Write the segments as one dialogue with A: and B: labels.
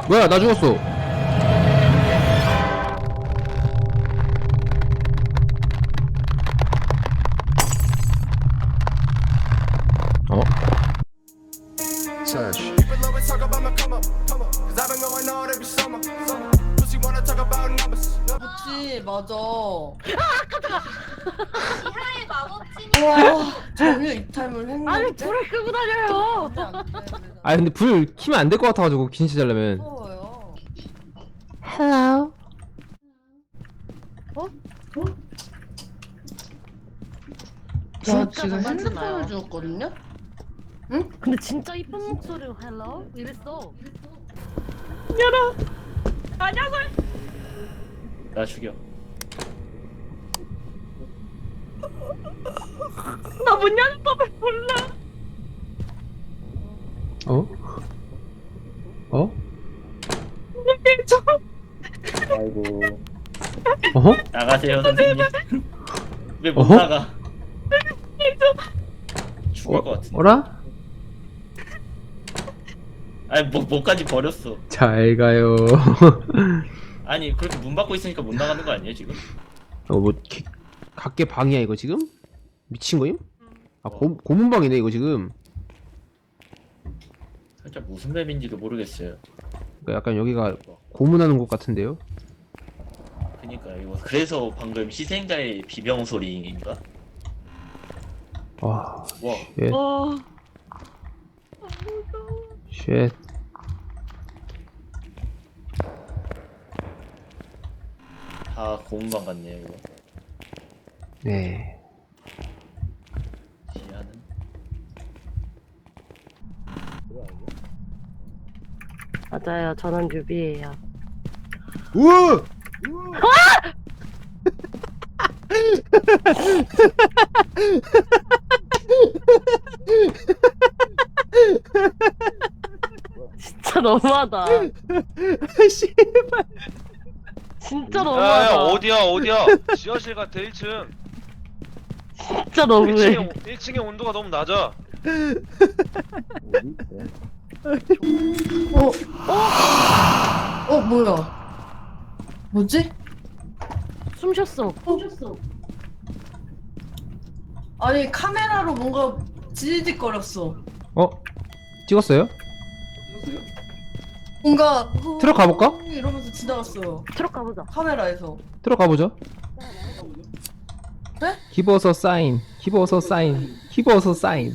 A: 뭐야 나 죽었어. 어?
B: Sash.
C: 그치 맞아.
D: 이하의 마법진이
C: 와 전혀 이탈을 했는데.
E: 아니 불을 끄고 다녀요.
A: 아 근데 불 키면 안 될 것 같아가지고 킨시 자려면.
C: 무서워요.
A: Hello.
C: 저
E: 진짜
C: 지금
E: 장난치나요?
C: 핸드폰을 주웠거든요?
E: 근데 진짜 이쁜 목소리로 헬로 이랬어.
F: 나 죽여.
E: 나 문 여는 법을 몰라.
A: 어? 어?
F: 아이고.
A: 어허?
F: 나가세요 선생님. 왜 못
A: 어허?
F: 나가? 죽을 것 같은데.
A: 어라?
F: 아니 뭐까지 버렸어.
A: 잘 가요.
F: 아니 그렇게 문 받고 있으니까 못 나가는 거 아니에요 지금?
A: 뭐 각계 방이야 이거 지금? 미친 거임? 아 고문방이네 이거 지금.
F: 살짝 무슨 맵인지도 모르겠어요.
A: 그러니까 약간 여기가 고문하는 곳 같은데요?
F: 그니까 이거 그래서 방금 희생자의 비명 소리인가?
A: 와,
F: 와
A: 쉣,
E: 어.
A: 쉣.
F: 다 고문방 같네요 이거.
A: 네.
F: 지하는
E: 맞아요. 저는 뉴비예요.
A: 우와!
E: 진짜 너무하다.
A: 씨발.
E: 진짜
G: 야야
E: 너무하다.
G: 어디야 지하실 같아 1층
E: 진짜 너무해.
G: 1층의 온도가 너무 낮아
C: 뭐야? 뭐지?
E: 숨 쉬었어.
C: 아니 카메라로 뭔가 지지직거렸어.
A: 어? 찍었어요?
C: 뭔가
A: 트럭 가볼까?
C: 이러면서 지나갔어요.
E: 트럭 가보자.
C: 카메라에서.
A: 들어 가보죠.
C: 네?
A: Give us a sign. Give us a sign. Give us a sign.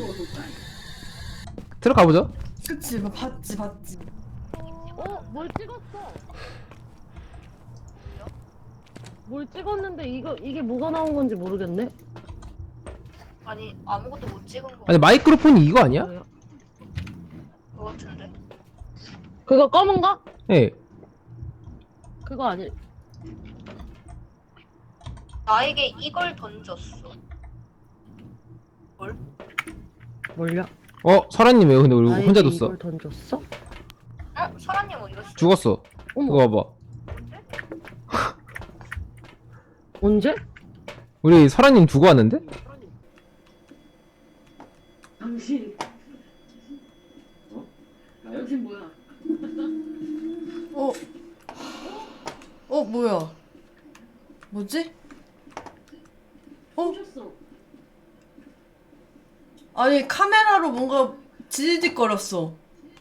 A: 들어 가보죠.
C: 그치 뭐 봤지.
E: 뭘 찍었어? 뭘 찍었는데 이게 뭐가 나온 건지 모르겠네.
D: 아니 아무것도 못 찍은 거
A: 아니 마이크로폰이 이거 아니야?
E: 뭐야?
D: 같은데.
E: 그거 검은가?
A: 예.
E: 그거 아니.
D: 나에게 이걸 던졌어.
E: 뭘요?
A: 설아님 왜 근데 우리
E: 나에게
A: 혼자 뒀어?
E: 이걸 던졌어?
D: 설아님 어디 갔어?
A: 죽었어.
E: 어머.
A: 이거 봐봐.
E: 언제?
A: 우리 설아님 두고 왔는데?
E: 당신. 당신 뭐야?
C: 뭐야? 뭐지?
E: 숨쉬었어.
C: 아니 카메라로 뭔가 지지직거렸어.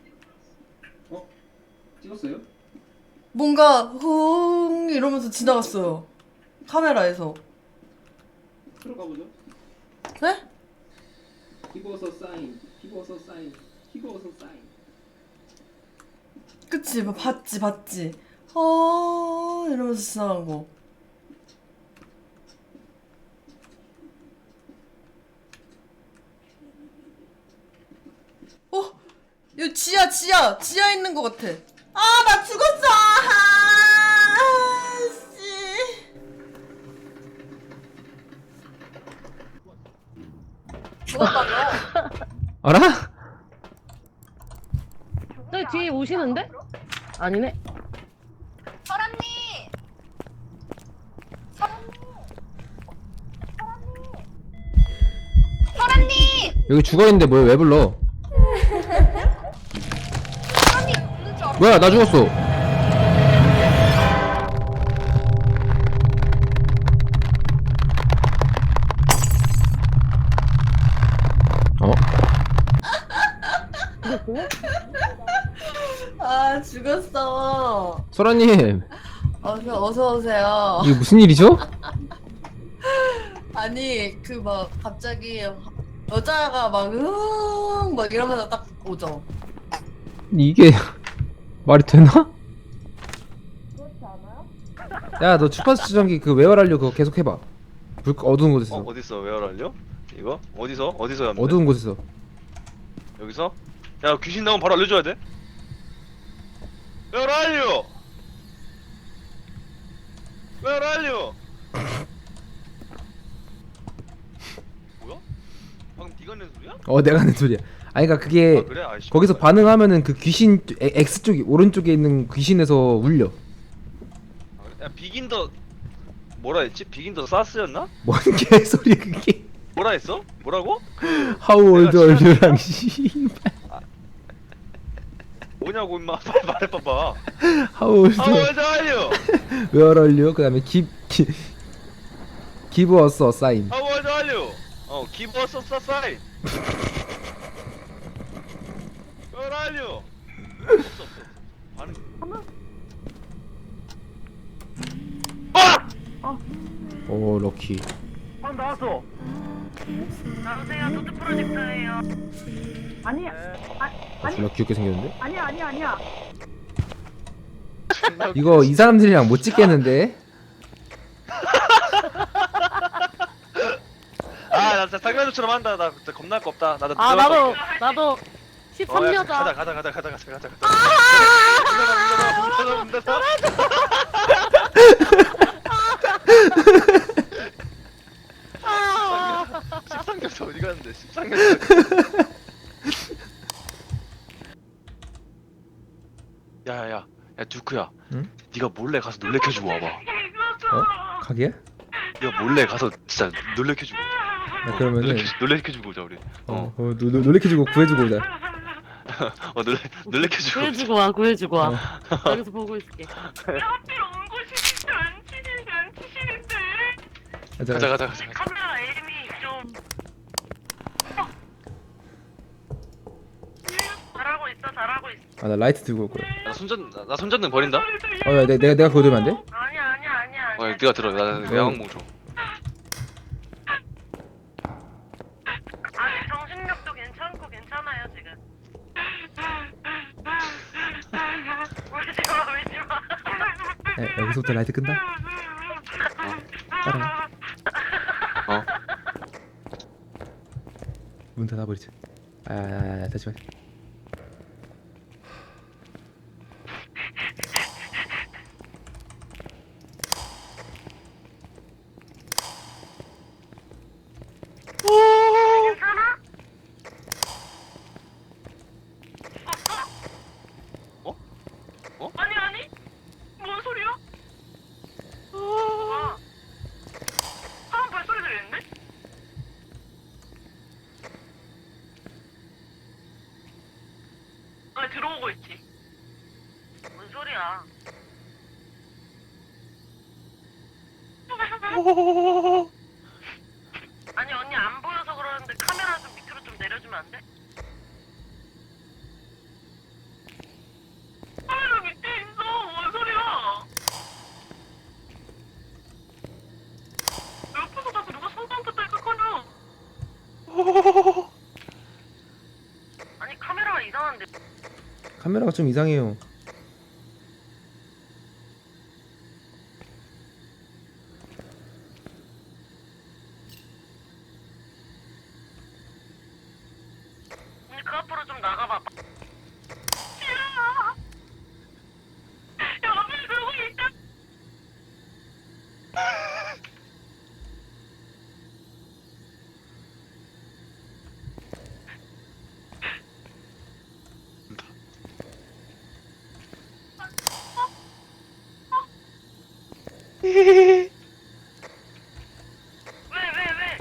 A: 찍었어요?
C: 뭔가 흥 이러면서 지나갔어요. 카메라에서.
A: 들어가보죠.
C: 네?
A: Give us a sign. Give us a sign. Give us a sign.
C: 그치 뭐 봤지. 이러면서 지나간 거. 여기 지하 있는 것 같아. 나 죽었어. 씨.
D: 죽었다며.
A: 알아?
E: 저기 뒤에 오시는데? 아니네.
D: 설아님. 설아님.
A: 여기 죽어있는데 뭘 왜 불러?
D: 설아님 없는 줄 알았어.
A: 뭐야 나 죽었어. 어?
C: 아 죽었어.
A: 소라님
C: 어서 오세요.
A: 이게 무슨 일이죠?
C: 아니 그 막 갑자기 여자가 막 이러면서 딱 오죠.
A: 이게 말이 되나? 야 너 주파수 추정기 그 외월하려 그거 계속 해봐. 불 어두운 곳에서.
G: 어딨어? 왜 알려? 이거? 어디서 하면 돼?
A: 어두운 곳에서.
G: 여기서? 야 귀신 나오면 바로 알려줘야 돼? 왜 알려? 왜 알려? 뭐야? 방금 네가 낸 소리야?
A: 내가 하는 소리야. 아니 그니까 그게
G: 아 그래? 아이씨
A: 거기서 반응하면은 그 귀신 X 쪽이 오른쪽에 있는 귀신에서 울려.
G: 야 비긴더 뭐라 했지? 비긴더 사스였나?
A: 뭔 개소리야 그게.
G: 뭐라 했어? 뭐라고?
A: How old
G: 내가
A: are you랑 씨발.
G: 뭐냐고 임마 빨리 말해봐봐.
A: How old
G: 아
A: are
G: 왜 알려?
A: Where are you? 그 다음에 give us a sign.
G: 아 왜 알려? give us a sign. 왜 알려? 없어. 반응.
A: 오 럭키.
G: 나왔어.
D: 나오세요. 노트 프로젝터예요.
E: 아니야.
A: 졸라 귀엽게 생겼는데?
E: 아니야.
A: 이거 이 사람들이랑 못 찍겠는데?
G: 아나 진짜 상남자처럼 한다. 나 진짜 겁날 거 없다. 나도
E: 아 나도 13여자.
G: 가자. 문닫아. 십상겹살 어디 갔는데? 십상겹살. 야야야, 야 두크야.
A: 응?
G: 네가 몰래 가서 놀래켜주고 와봐.
A: 가게야?
G: 네가 몰래 가서 진짜 놀래켜주고.
A: 야, 그러면은
G: 놀래켜주고 오자 우리.
A: 놀래켜주고 구해주고 오자.
G: 놀래켜주고.
E: 구해주고 와. 여기서 보고 있을게.
D: 하필 온 곳이 진짜 안 치시는데.
G: 가자.
D: 카메라 에임이 좀. 잘하고 있어.
A: 아 나 라이트 들고 올 거야.
G: 나 손전등 버린다.
A: 야 내가 그거 들면 안 돼?
D: 아니야.
G: 네가 들어. 나 야광봉 줘.
D: 아직 정신력도 괜찮아요 지금. 울지 마.
A: 야, 여기서부터 라이트 끈다? 따라와. 문 닫아버리자. 다시 말.
D: 괜찮아? 아니? 뭔 소리야? 사람 발소리 들리는데? 아니 들어오고 있지. 뭔 소리야? 아니 언니 안 보여서 그러는데 카메라 좀 밑으로 좀 내려주면 안 돼? 카메라 밑에 있어. 뭔 소리야? 옆에서 자꾸 누가 손담고 딸깍거려. 아니 카메라가 이상한데.
A: 카메라가 좀 이상해요.
D: 언니 그 앞으로 좀 나가봐. 여기 누구 있다. 왜?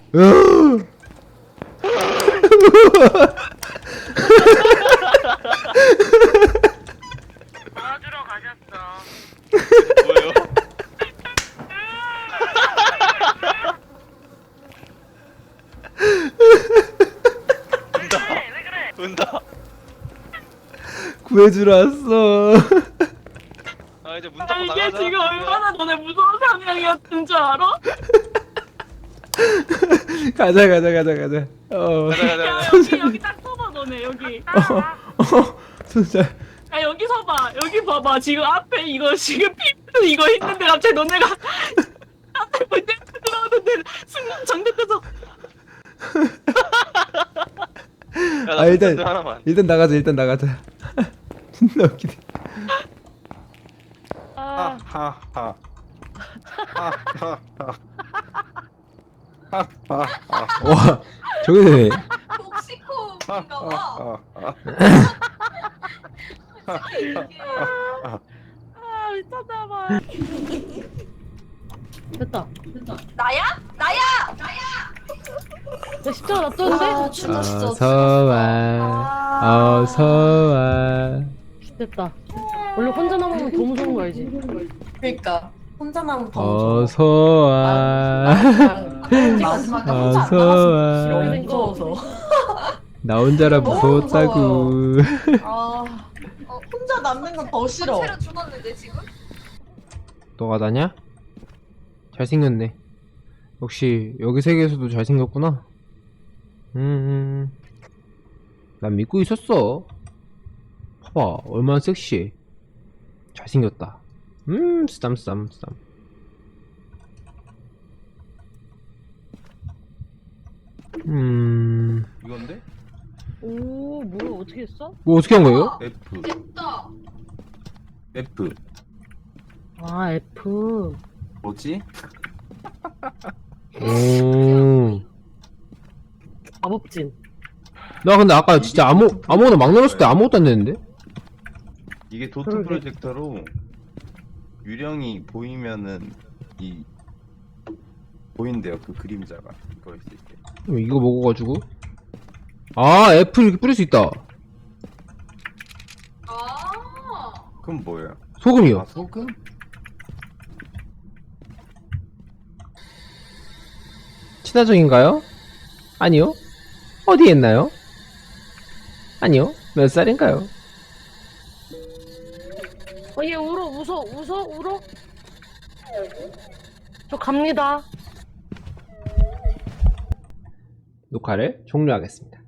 A: 으.
D: 도와주러 가셨어.
G: 뭐예요?
D: 왜 그래?
G: 은다.
A: 구해주러 왔어.
G: 아 이제 문 닫고
B: 이게
G: 나가자.
B: 지금 얼마나 너네 무서운 상황이었던 줄 알아?
A: 가자.
G: 가자 가자
B: 야
G: 가자.
B: 여기 딱 서봐 너네 여기.
A: 진짜.
B: 야 여기 서봐 여기 봐봐 지금 앞에 이거 지금 피프 이거 있는데 갑자기 너네가 앞에 문 열고 들어오는데 순간 정대돼서
G: 야나
A: 아, 일단-
G: 하나만.
A: 일단 나가자. 존나 웃기네.
E: 아,
H: 하하하.
A: 와, 저기
C: 톡시코인가 봐.
E: 아 미쳤나봐. 됐다.
C: 나야?
E: 나 십자가 놔뒀는데?
C: 아, 죽었어.
A: 어서와. 어서와.
E: 됐다. 원래 혼자 남으면 더 무서운 거 알지?
C: 그러니까 혼자 남으면 더 무서워.
A: 어서와.
C: 마지막에 혼자 안
A: 어서와.
C: 남았어. 너무 무서워서.
A: 나 혼자라
C: 너무
A: 무서웠다고.
C: 아, 혼자 남는 건 더 싫어.
D: 새로 죽었는데 지금?
A: 너가 나냐? 잘생겼네. 역시 여기 세계에서도 잘생겼구나. 난 믿고 있었어. 봐봐, 얼마나 섹시해. 잘생겼다. 쓰담.
H: 이건데?
E: 오 뭐야 어떻게 했어?
A: 뭐 어떻게 한 거예요?
H: F.
D: 됐다.
H: F.
E: 아 F.
H: 뭐지?
A: 오.
E: 마법진.
A: 나 근데 아까 진짜 아무거나 막 눌렀을 때 아무것도 안 되는데?
H: 이게 도트
E: 그러게.
H: 프로젝터로 유령이 보이면은 보인대요. 그 그림자가 그거 있을 때.
A: 이거 먹어가지고. 아, F 이렇게 뿌릴 수 있다.
D: 아.
H: 그럼 뭐예요?
A: 소금이요.
H: 아 소금?
A: 친화적인가요? 아니요. 어디에 있나요? 아니요. 몇 살인가요?
E: 얘 울어 저 갑니다.
A: 녹화를 종료하겠습니다.